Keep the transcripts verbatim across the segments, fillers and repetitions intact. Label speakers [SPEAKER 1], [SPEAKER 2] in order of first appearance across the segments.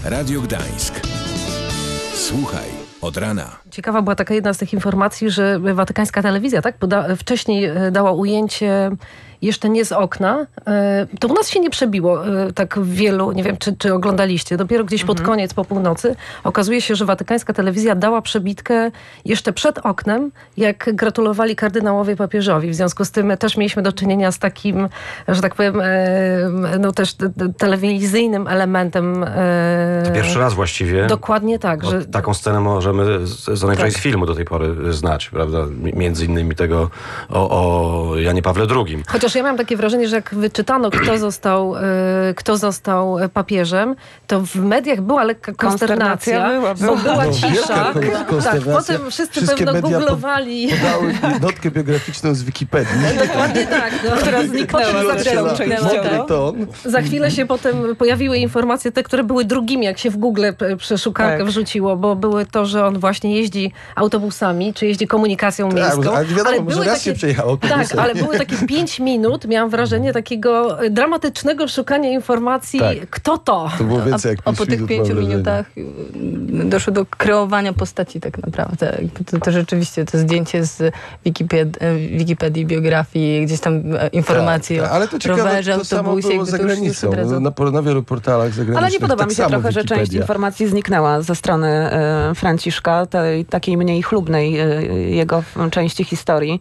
[SPEAKER 1] Radio Gdańsk. Słuchaj od rana.
[SPEAKER 2] Ciekawa była taka jedna z tych informacji, że watykańska telewizja tak poda- wcześniej dała ujęcie jeszcze nie z okna. To u nas się nie przebiło tak wielu, nie wiem, czy, czy oglądaliście. Dopiero gdzieś pod
[SPEAKER 3] Mhm.
[SPEAKER 2] koniec, po północy, okazuje się, że watykańska telewizja dała przebitkę jeszcze przed oknem, jak gratulowali kardynałowie papieżowi. W związku z tym też mieliśmy do czynienia z takim, że tak powiem, no też telewizyjnym elementem.
[SPEAKER 4] To pierwszy raz właściwie.
[SPEAKER 2] Dokładnie tak.
[SPEAKER 4] Że...
[SPEAKER 2] Że...
[SPEAKER 4] Taką scenę możemy z, z najczęściej tak. z filmu do tej pory znać, prawda? Między innymi tego o, o Janie Pawle drugim.
[SPEAKER 2] Chociaż ja miałam takie wrażenie, że jak wyczytano, kto został, y, kto został papieżem, to w mediach była lekka konsternacja,
[SPEAKER 3] konsternacja
[SPEAKER 2] bo była
[SPEAKER 5] no,
[SPEAKER 2] cisza. Tak, potem wszyscy
[SPEAKER 5] Wszystkie
[SPEAKER 2] pewno
[SPEAKER 5] media
[SPEAKER 2] googlowali.
[SPEAKER 5] Podały jednotkę biograficzną z Wikipedii.
[SPEAKER 2] Dokładnie tak. No.
[SPEAKER 3] Która zniknęła zresztą częściowo.
[SPEAKER 5] Ton.
[SPEAKER 2] Za chwilę się potem pojawiły informacje, te, które były drugimi, jak się w Google przeszukankę tak. wrzuciło, bo były to, że on właśnie jeździ autobusami, czy jeździ komunikacją
[SPEAKER 5] tak,
[SPEAKER 2] miejską.
[SPEAKER 5] Ale wiadomo,
[SPEAKER 2] ale
[SPEAKER 5] może
[SPEAKER 2] były
[SPEAKER 5] raz
[SPEAKER 2] takie,
[SPEAKER 5] się przejechał autobusem.
[SPEAKER 2] Tak, ale były takie pięć minut, miałam wrażenie takiego dramatycznego szukania informacji,
[SPEAKER 5] tak.
[SPEAKER 2] kto to.
[SPEAKER 5] To było więcej jak
[SPEAKER 3] a, a po tych pięciu minutach doszło do kreowania postaci tak naprawdę. To, to rzeczywiście to zdjęcie z Wikipedii, Wikipedii biografii, gdzieś tam informacje
[SPEAKER 5] tak, tak. Ale to ciekawe,
[SPEAKER 3] rowerze,
[SPEAKER 5] to samo
[SPEAKER 3] autobusie.
[SPEAKER 5] było za granicą. Na, na wielu portalach zagranicznych.
[SPEAKER 6] Ale nie podoba
[SPEAKER 5] tak
[SPEAKER 6] mi się
[SPEAKER 5] samo
[SPEAKER 6] trochę,
[SPEAKER 5] Wikipedia.
[SPEAKER 6] że część informacji zniknęła ze strony e, Franciszka, tej takiej mniej chlubnej e, jego części historii.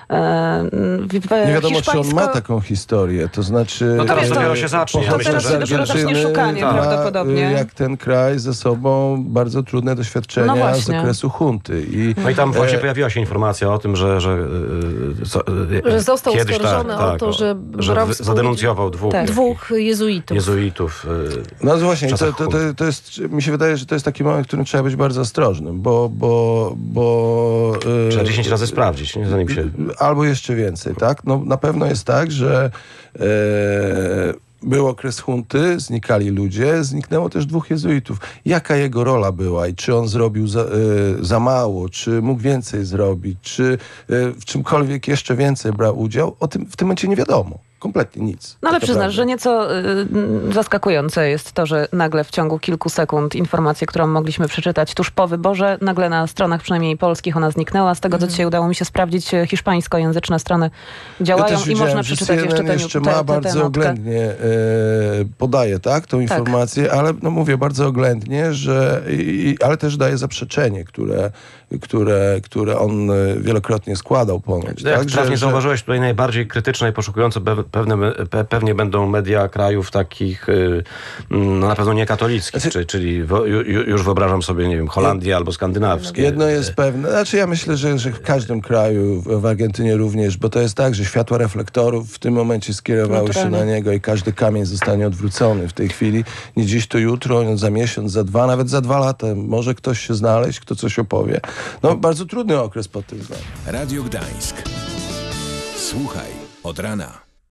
[SPEAKER 5] W nie wiadomo, hiszpańsko... czy on ma taką historię, to znaczy...
[SPEAKER 4] No teraz dopiero się zacznie.
[SPEAKER 6] To teraz się dopiero zacznie szukanie
[SPEAKER 5] ma,
[SPEAKER 6] prawdopodobnie.
[SPEAKER 5] Jak ten kraj ze sobą bardzo trudne doświadczenia
[SPEAKER 6] no
[SPEAKER 5] z okresu hunty. I,
[SPEAKER 4] no i tam właśnie e... pojawiła się informacja o tym, że... Że,
[SPEAKER 2] e, że został
[SPEAKER 4] kiedyś
[SPEAKER 2] oskarżony
[SPEAKER 4] tak,
[SPEAKER 2] o to, że,
[SPEAKER 4] że
[SPEAKER 2] brał
[SPEAKER 4] zadenuncjował dwóch,
[SPEAKER 2] tak. dwóch jezuitów.
[SPEAKER 4] jezuitów
[SPEAKER 5] no właśnie, to, to, to, to jest, mi się wydaje, że to jest taki moment, w którym trzeba być bardzo ostrożnym, bo... bo, bo
[SPEAKER 4] trzeba dziesięć razy sprawdzić, nie? Zanim się...
[SPEAKER 5] Albo jeszcze więcej, tak? No na pewno jest tak, że e, był okres hunty, znikali ludzie, zniknęło też dwóch jezuitów. Jaka jego rola była i czy on zrobił za, e, za mało, czy mógł więcej zrobić, czy e, w czymkolwiek jeszcze więcej brał udział, o tym w tym momencie nie wiadomo. Kompletnie nic.
[SPEAKER 6] No ale
[SPEAKER 5] tak
[SPEAKER 6] przyznasz,
[SPEAKER 5] naprawdę.
[SPEAKER 6] że nieco y, zaskakujące jest to, że nagle w ciągu kilku sekund informację, którą mogliśmy przeczytać tuż po wyborze, nagle na stronach przynajmniej polskich ona zniknęła. Z tego, co dzisiaj udało mi się sprawdzić, hiszpańskojęzyczne strony działają
[SPEAKER 5] ja
[SPEAKER 6] i można przeczytać
[SPEAKER 5] C N N
[SPEAKER 6] jeszcze tę
[SPEAKER 5] jeszcze
[SPEAKER 6] te,
[SPEAKER 5] ma
[SPEAKER 6] te,
[SPEAKER 5] bardzo
[SPEAKER 6] te
[SPEAKER 5] oględnie e, podaje, tak, tą informację, tak. ale no mówię bardzo oględnie, że i, ale też daje zaprzeczenie, które, które, które on wielokrotnie składał ponoć.
[SPEAKER 4] Jak
[SPEAKER 5] tak,
[SPEAKER 4] trafnie
[SPEAKER 5] że,
[SPEAKER 4] zauważyłeś, tutaj najbardziej krytyczne i poszukujące pewne, pewnie będą media krajów takich no na pewno niekatolickich, znaczy, czyli, czyli wo, ju, już wyobrażam sobie, nie wiem, Holandię albo skandynawskie.
[SPEAKER 5] Jedno jest pewne, znaczy ja myślę, że, że w każdym kraju, w Argentynie również, bo to jest tak, że światła reflektorów w tym momencie skierowały Naturalnie. się na niego i każdy kamień zostanie odwrócony w tej chwili. Nie dziś, to jutro, za miesiąc, za dwa, nawet za dwa lata. Może ktoś się znaleźć, kto coś opowie. No bardzo trudny okres pod tym względem.
[SPEAKER 1] Radio Gdańsk. Słuchaj od rana.